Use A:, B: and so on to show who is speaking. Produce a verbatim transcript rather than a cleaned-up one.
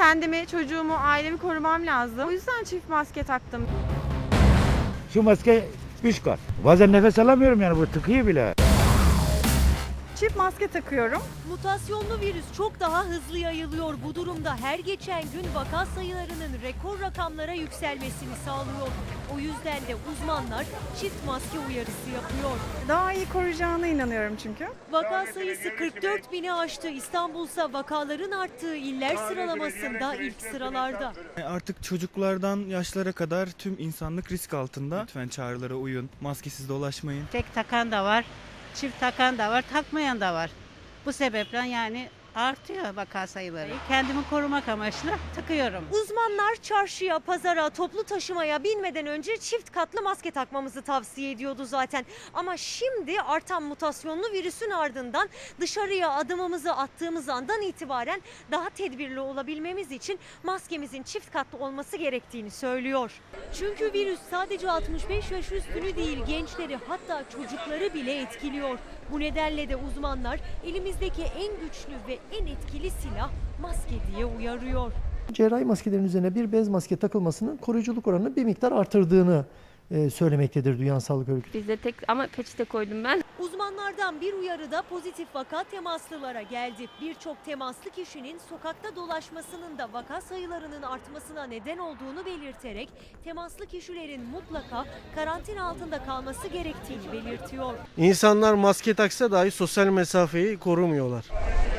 A: kendimi, çocuğumu, ailemi korumam lazım. O yüzden çift maske taktım.
B: Şu maske üç kat. Bazen nefes alamıyorum yani, bu tıkıyor bile.
A: Çift maske takıyorum.
C: Mutasyonlu virüs çok daha hızlı yayılıyor. Bu durumda her geçen gün vaka sayılarının rekor rakamlara yükselmesini sağlıyor. O yüzden de uzmanlar çift maske uyarısı yapıyor.
A: Daha iyi koruyacağına inanıyorum çünkü.
C: Vaka sayısı kırk dört bini aştı. İstanbul'sa vakaların arttığı iller sıralamasında ilk sıralarda.
D: Artık çocuklardan yaşlara kadar tüm insanlık risk altında. Lütfen çağrılara uyun, maskesiz dolaşmayın.
E: Tek takan da var, çift takan da var, takmayan da var. Bu sebeple yani artıyor vaka sayıları. Kendimi korumak amaçlı takıyorum.
C: Uzmanlar çarşıya, pazara, toplu taşımaya binmeden önce çift katlı maske takmamızı tavsiye ediyordu zaten. Ama şimdi artan mutasyonlu virüsün ardından dışarıya adımımızı attığımız andan itibaren daha tedbirli olabilmemiz için maskemizin çift katlı olması gerektiğini söylüyor. Çünkü virüs sadece altmış beş yaş üstünü değil, gençleri hatta çocukları bile etkiliyor. Bu nedenle de uzmanlar elimizdeki en güçlü ve en etkili silah maske diye uyarıyor.
F: Cerrahi maskelerin üzerine bir bez maske takılmasının koruyuculuk oranını bir miktar artırdığını e, söylemektedir Dünya Sağlık Örgütü.
G: Bizde tek ama peçete koydum ben.
C: Uzmanlardan bir uyarı da pozitif vaka temaslılara geldi. Birçok temaslı kişinin sokakta dolaşmasının da vaka sayılarının artmasına neden olduğunu belirterek temaslı kişilerin mutlaka karantina altında kalması gerektiğini belirtiyor.
H: İnsanlar maske taksa dahi sosyal mesafeyi korumuyorlar.